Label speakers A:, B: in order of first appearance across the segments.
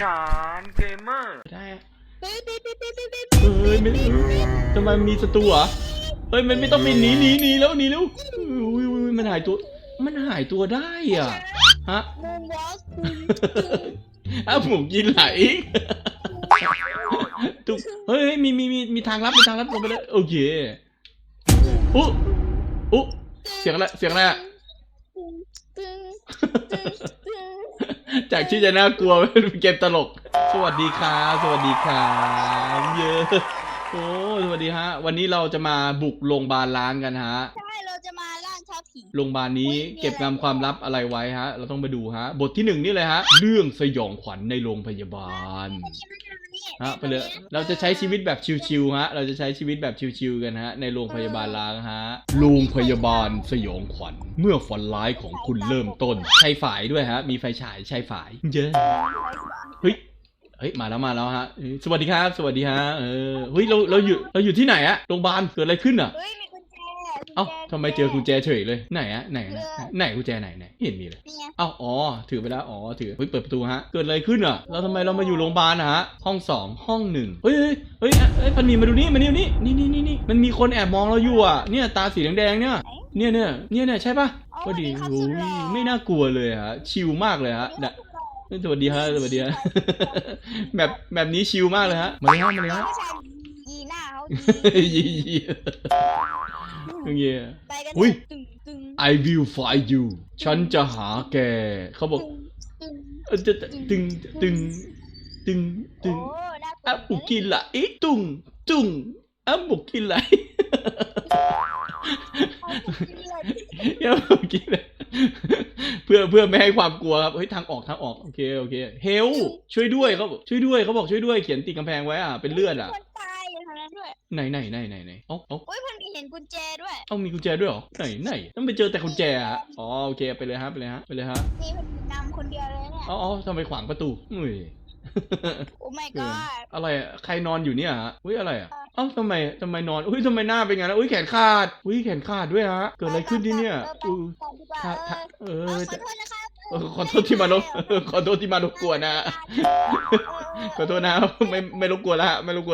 A: านเกมเมอร์
B: ได้เฮ้ยไม่ทำไมมีศัตรูเหรอเฮ้ยมันไม่ต้องเป็นหนีแล้วอุ้ยมันหายตัวได้อ่ะฮะอ้าวผมกินไหลตุ๊กเฮ้ยมีทางลับลงไปเลยโอเคอุ๊เสียงอะไรอะจากที่จะน่ากลัวเป็นเกมตลกสวัสดีครับเยอะโอ้สวัสดีฮะวันนี้เราจะมาบุกโรงพยาบาลล้างกันฮะ
C: ใช่เราจะมาล่าท้าผี
B: โรงพยาบาลนี้เก็บงำความลับอะไรไว้ฮะเราต้องไปดูฮะบทที่1นี่เลยฮะเรื่องสยองขวัญในโรงพยาบาลฮะไปเลยเราจะใช้ชีวิตแบบชิวๆฮะเราจะใช้ชีวิตแบบชิวๆกันฮะในโรงพยาบาลล้างฮะโรงพยาบาลสยองขวัญเมื่อฝันร้ายของคุณเริ่มต้นใช้ฝายด้วยฮะมีไฟฉายใช้ฝายเยอะเฮ้ยมาแล้วฮะสวัสดีครับเฮ้ยเราอยู่ที่ไหนอะโรงพยาบาลเกิดอะไรขึ้นอะเอ้าทำไมเจอกุญแจเฉยเลยไหนกุญแจไหนเห็นมีเลยเอ้าอ๋อถือไปแล้วถือเฮ้ยเปิดประตูฮะเกิดอะไรขึ้นอ่ะแล้วทำไมเรามาอยู่โรงพยาบาลนะฮะห้อง2ห้อง1เฮ้ยพันมีมาดูนี่นี่มันมีคนแอบมองเราอยู่อ่ะเนี่ยตาสีแดงเนี่ยใช่ปะพอดีโอ้ยไม่น่ากลัวเลยฮะชิลมากเลยฮะสวัสดีฮะแบบนี้ชิลมากเลยฮะมาเลยฮะ
C: ยีหน้าเขา
B: ยีอุ้ย I will find you ฉันจะหาแกเขาบอกจะตึงอ่ะบุกินละอีตุงอ่ะบุกินละอย่าบุกินละเพื่อไม่ให้ความกลัวครับเฮ้ยทางออกโอเคเฮลช่วยด้วยเขาบอกช่วยด้วยเขียนติดกำแพงไว้อ่ะเป็นเลือดอ่ะ
C: คนตายอยู่ทางนั้นด้วย
B: ไหนเอ้า
C: โอ้ยมันมีเห็นกุญแจด้วย
B: มีกุญแจด้วยเหรอไหนต้องไปเจอแต่กุญแจอ่ะอ๋อโอเคไปเลยฮะ
C: นี่มันนำคนเดียวเลยเนี่ย
B: อ๋อทำไมขวางประตูอุ้ย
C: โอ้ my god
B: อะไรอ่ะใครนอนอยู่เนี่ยฮะอุ้ยอะไรอ่ะเอ้าทำไมนอนอุ้ยทำไมหน้าเป็นไงนะอุ้ยแขนขาดด้วยฮะเกิดอะไรขึ้นที่เนี่ย
C: ขอโทษนะครับ
B: ขอโทษที่มารบกวนนะขอโทษนะไม่รบกวนแล้ว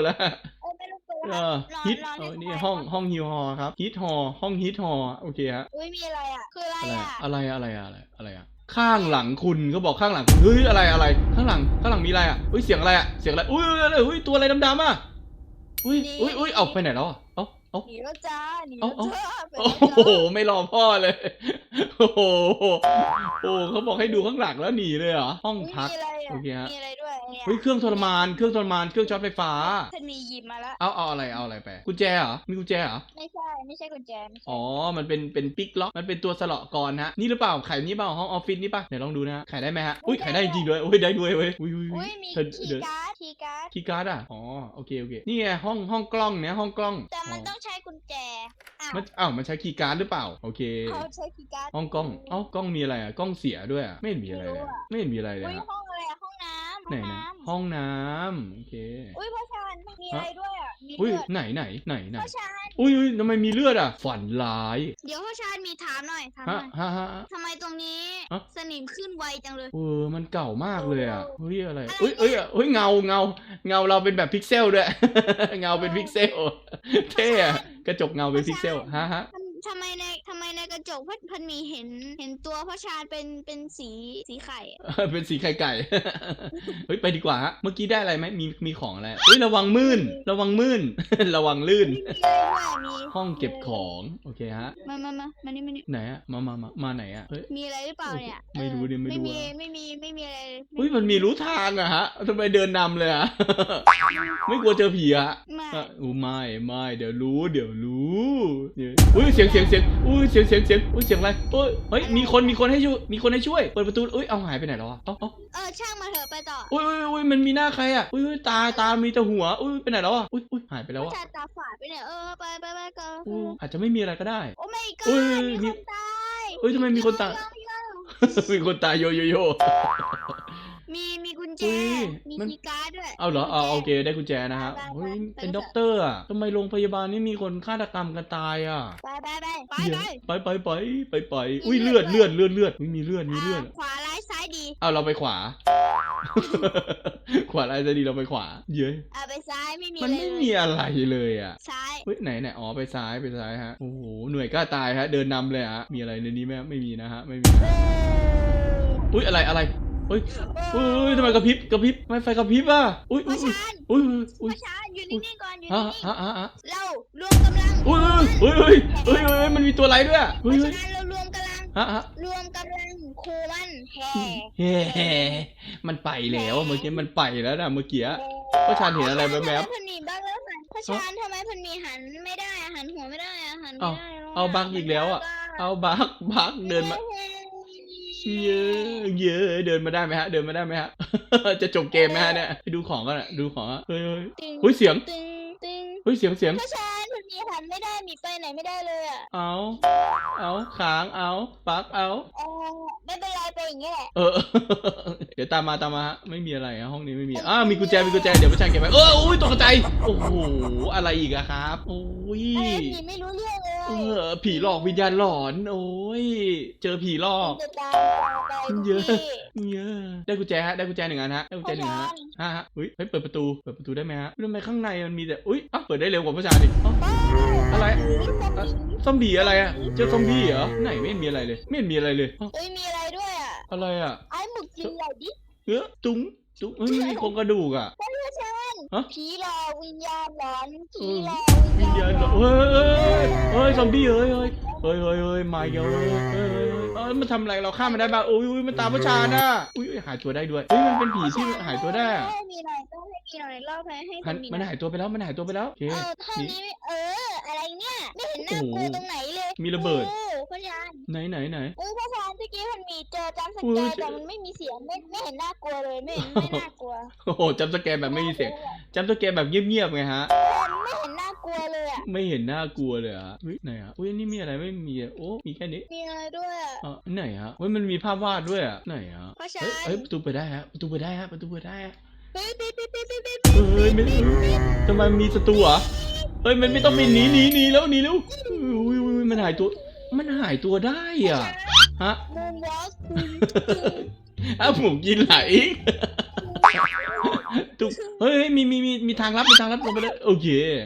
B: ฮิตนี่ห้องฮิวฮอครับฮิตฮอห้องฮิตฮอโอเคฮะ
C: อุ้ยมีอะไรอ่ะคือ
B: อะไรอ่ะข้างหลังคุณเขาบอกข้างหลังเฮ้ยอะไรข้างหลังมีอะไรอ่ะเฮ้ยเสียงอะไรอุ้ยตัวอะไรดำๆอ่ะอุ้ยเอาไปไหนแล้วอ่ะ
C: หนีแล้วจ้า
B: โอ้โหไม่รอพ่อเลยโอ้โหเขาบอกให้ดูข้างหลังแล้วหนีเลยเหรอห้องพักโอเคฮะ
C: มีอะไรด้วยเนี่ย
B: เฮ้ยเครื่องทรมานเครื่องช็อตไฟฟ้า
C: ฉันมีหยิบมาแล้ว
B: เอาอะไรไปกุญแจเหรอมีกุญแจเหรอ
C: ไม่ใช่กุญแจ
B: อ๋อมันเป็นปิ๊กล็อกมันเป็นตัวสลอกรฮะนี่หรือเปล่าไขนี่เปล่าห้องออฟฟิศนี่ป่ะเดี๋ยวลองดูนะไขได้ไหมฮะอุ้ยไขได้จริงด้วยอุ้ยได้ด้วยเว้ยอุ้
C: ยมีคีย์การ์ด
B: อ่ะอ๋อโอเคนี่ไงห้องกล้องเนี่ยห้องกล้อง
C: แต่มันต้องใช้กุญแจ
B: มันใช้คีย์การ์ดหรือเปล่าโอเค
C: เขาใช้คีย์การ์ด
B: ห้องกล้องกล้องมีอะไรอ่ะกล้องเสียด้วยอ่ะไม่เห็นมีอะไรเลยไม่เห็นมีอะไรเลย
C: ห้องอะไรห้องน้ำ
B: ไหนนะห้องน้ำโอเค
C: อุ้ยพ่อชานมีอะไรด้วยอ่ะมี
B: เลือดไหน
C: พ่อชาน
B: อุ้ยทำไมมีเลือดอ่ะฝันร้าย
C: เดี๋ยวพ่อชานมีถามหน่อยทำไมตรงนี้สนิมขึ้นไวจังเลย
B: มันเก่ามากเลยอ่ะเฮ้ยอะไรเงาเราเป็นแบบพิกเซลด้วยเงาเป็นพิกเซลเท่กระจกเงาเป็นพิกเซลฮะ
C: ทำไมในกระจกพันมีเห็นตัวพ่อชาญเป็นสีไข่
B: เป็นสีไข่ไก่เฮ้ยไปดีกว่าฮะเมื่อกี้ได้อะไรไหมมีของอะไรเฮ้ยระวังลื่นระวังลื่นห้องเก็บของโอเคฮะ
C: มานี่
B: ไหนอะมาไหนอะ
C: มีอะไรหรือเปล่าเนี่ย
B: ไม่รู้ดิไม่มี
C: อะไร
B: เฮ้ยมันมีรู้ทางอะฮะทำไมเดินนำเลยอะไม่กลัวเจอผีอะไม่เดี๋ยวรู้อุ้ยเสียงอุ้ยเสียงอะไรเฮ้ยมีคนให้ช่วยเปิดประตูอุ้ยเอาหายไปไหนแล้วอะ
C: ช่างมาเถอะไปต่อ
B: อุ้ยมันมีหน้าใครอะอุ้ยตามีแต่หัวอุ้ยไปไหนแล้วอะอุ้ยหายไปแล้วอะ
C: ตาฝาดไปเนี่ยไปก็
B: อาจจะไม่มีอะไรก็ได้
C: โอ้ไม่ก็มีคนตาย
B: ทำไมมีคนตายมีคนตายโย
C: มีกุญแจมีคีย์การ์ดด้วย
B: เอาเหรอโอเคได้กุญแจนะฮะเฮ้ยเป็นด็อกเตอร์อ่ะทำไมโรงพยาบาลนี่มีคนฆาตกรรมกันตายอ่ะ
C: ไป
B: อุ้ยเลือดมีเลือด
C: ขวาร้ายซ้ายดี
B: เอาเราไปขวา ขวาอะไรจะดีเราไปขวาเย้ย
C: ไปซ้ายไม่มี
B: มัน
C: อะไร
B: ไม่
C: เลย
B: มีอะไรเลยอ่ะ
C: ซ้าย
B: เฮ้ยไหนอ๋อไปซ้ายฮะโอ้โหหน่วยกล้าตายฮะเดินนำเลยฮะมีอะไรในนี้ไหมไม่มีนะฮะไม่มีนะอุ้ยอะไรเฮ้ยทำไมกระพริบทำไมไฟกระพริบอ่ะอุ้ย
C: พ่อชาน
B: อุ้ย
C: พ่อชานอยู่นิ่งๆก่อนอยู่
B: ฮะ
C: นิ่ง
B: ฮะ
C: ๆเรารวมกำลัง
B: อุ้ยมันมีตัวอะไรด้วย
C: พ่
B: เฮ้
C: อย ชานเรารวมกำลัง
B: ฮะ
C: รวมกำลังครูมันแห่
B: เฮ้มันไปแล้วเมื่อกี้มันไปแล้วนะเมื่อกี้พ่อชานเห็นอะไรแวบ
C: ทำไมพันมีบ้างแล้วพ่อชานทำไมพันมีหันไม่ได้หันหัวไม่ได้หันไม่ได้
B: เอาบักอีกแล้วอ่ะเอาบักเดินมาเยอะเดินมาได้ไหมฮะจะจบเกมไหมฮะเนี่ยไปดูของกันอ่ะดูของอ่ะเฮ้ยเสียง
C: ตึง
B: เฮ้ยเสียง
C: พ่อชานพันมีหันไม่ได้มีไปไหนไม่ได้เลยอ่ะ
B: เอาค้างเอาปักเอา
C: ไม่เป็นไรไปอย่างเงี้ยแหละ
B: เดี๋ยวตามมาฮะไม่มีอะไรฮะห้องนี้ไม่มีมีกุญแจเดี๋ยวพ่อชายเก็บไว้อุ้ยตกใจโอ้โหอะไรอีกอะครับโอ้ย
C: ผีไม่รู้เรื่องเลย
B: ผีหลอกวิญญาณหลอนโอ้ยเจอผีหลอก
C: จะตามไป
B: เยอะได้กุญแจฮะได้กุญแจหนึ่งอันฮะได้กุญแจหนึ่งฮะฮะเฮ้ยเปิดประตูได้ไหมฮะทำไมข้างในมันมีแต่อุ้ยเปิดได้เร็วกว่าพ่อชายดิอะไรซอมบี้อะไรอะเจอซอมบี้เหรอไหนไม่มีอะไรเลยไม่มีอะไรเลย
C: เฮ้ยมีอะไรด้วยอ่ะ
B: อะไรอะ
C: ไอ้หมึกกินอะไรดิ
B: ตุ้งเฮ้ยมีโครงกระดูกอะ
C: พ่อชานผีหลอกวิญญาณหลอนผีหลอก
B: วิญญาณเฮ้ยซอมบี้เฮ้ยมาเยอะมันทำอะไรเราฆ่ามันได้บ้างอุ้ยมันตามพ่อชาน่ะอุ้ยหายตัวได้ด้วยเฮ้ยมันเป็นผีที่หายตัวได้
C: มีหน่อยต้องให้มีหน่อยรอบให้
B: มันหายตัวไปแล้วโอเค
C: ท่านี้อะไรเนี่ยไม่เห็นน่ากลัวตรงไหนเลย
B: มีระเบิด
C: พ่อชาน
B: ไหน
C: พ่อชานเมื่อกี้มันมีเจอจำสแกร์แต่มันไม่มีเสียงไม่เห็นน่ากลัวเลยไม่น่ากลัว
B: โอ้โหจำสแกนแบบไม่มีเสียงจำสแกนแบบเงียบๆไงฮะ
C: ไม่เห็นน่ากลัวเลยอ่ะ
B: ไม่เห็นน่ากลัวเลยอะไหนอะอุ้ยนี่มีอะไรไม่มีโอ้มีแค่นี้
C: มีอะไรด้วยอ่ะ
B: ไหนฮะมันมีภาพวาดด้วยอะไหนฮะ
C: พ่อชาน
B: เฮ้ยประตูเปิดได้ฮะประตูเปิดได้ฮะ
C: เฮ้ย
B: ทำไมมีศัตรูเหรอเฮ้ยมันไม่ต้องไปหนีแล้วอุ้ยมันหายตัวได้อ่ะฮะ
C: มูนวอล์ก
B: ผมกินไหลตุ๊กเฮ้ยมีทางลับลงไปเลยโอเค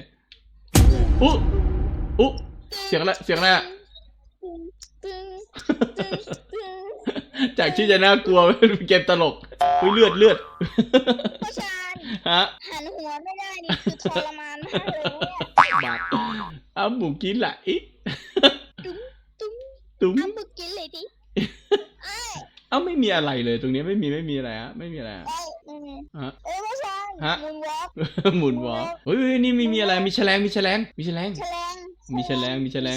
B: อุ๊เสียงอะไรอะจากที่จะน่ากลัวเป็นเกมตลกอุ้ยเลือด
C: พ่อชาน
B: ฮะ
C: หันหัวไม่ได้นี่คือทรมานมากเลยเนี่ย
B: บาดหมูกินไหล
C: ตุ้ม
B: ตุ้ม
C: เอาบึกกินเลยดิ
B: ไม่มีอะไรเลยตรงนี้ไม่มีอะไรฮะไม่มีอะไรฮะ
C: พ่อชาน
B: ฮะ
C: มูนวอล์ก
B: หมุนวอล์กเฮ้ยนี่มีอะไรมีแฉลงเก็บแฉลงเลยโอเค
C: มีแฉลง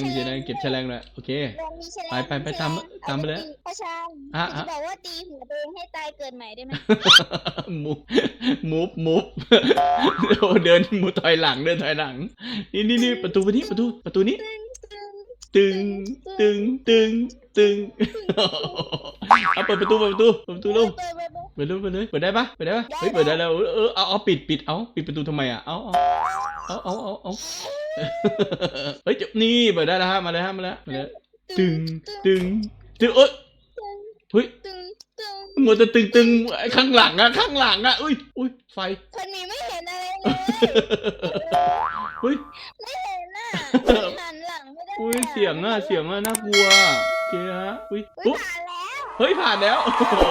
B: ไปตามไปเลย
C: พ่อชาน
B: ฮะ
C: บอกว่าตีหัวตัวเองให้ตายเกิดใหม่ได้ไหม
B: มูฟโอ้เดินมูถอยหลังนี่ประตูนี้ตึงเอาเปิดประตูลูกเปิดได้ปะเฮ้ยเปิดได้แล้วเอาปิดประตูทำไมอ่ะเอาเฮ้ยนี่เปิดได้แล้วฮะมาเลยตึงเฮ้ยมัวแต่ตึงข้างหลังอ่ะอุ้ยไฟ
C: คนนี้ไม่เห็นอะไรเลย
B: เฮ้ย
C: ไม่เห็นน่ะหันหลังไม่ได้
B: อุ้ยเสียงน่ากลัวโอเคฮะอุ้ย
C: ผ่านแล้ว
B: เฮ้ยผ่านแล้วโอ้โห